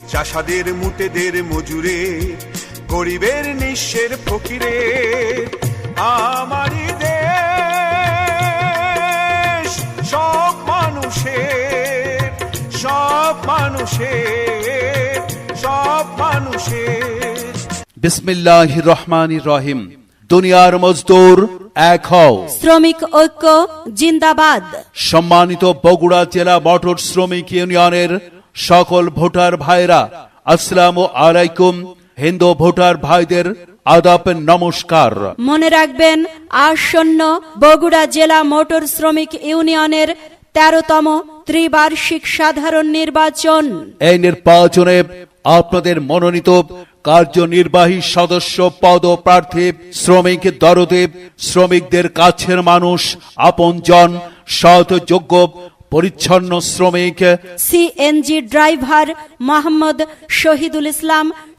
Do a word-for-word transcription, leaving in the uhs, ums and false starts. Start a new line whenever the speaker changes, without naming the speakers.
চাষাদের মুটেদের মজুরে, গরিবের নিঃস্বের ফকিরে, আমারই দেশ সব মানুষের, সব মানুষের, সব মানুষের।
বিসমিল্লাহির রহমানির রহিম। দুনিয়ার মজদুর এক হও,
শ্রমিক ঐক্য জিন্দাবাদ।
সম্মানিত বগুড়া জেলা মোটর শ্রমিক ইউনিয়নের সকল ভোটার ভাইরা, আসসালামু আলাইকুম। হিন্দু ভোটার ভাইদের আদাব নমস্কার।
মনে রাখবেন, আসন্ন বগুড়া জেলা মোটর শ্রমিক ইউনিয়নের তেরোতম ত্রিবার্ষিক সাধারণ নির্বাচন।
এই নির্বাচনে আপনাদের মনোনীত কার্যনির্বাহী সদস্য পদ প্রার্থী, শ্রমিক দরদে, শ্রমিকদের কাছের মানুষ, আপনজন, সৎ, যোগ্য, পরিচ্ছন্ন শ্রমিক,
সিএনজি ড্রাইভার মোহাম্মদ শহীদুল ইসলাম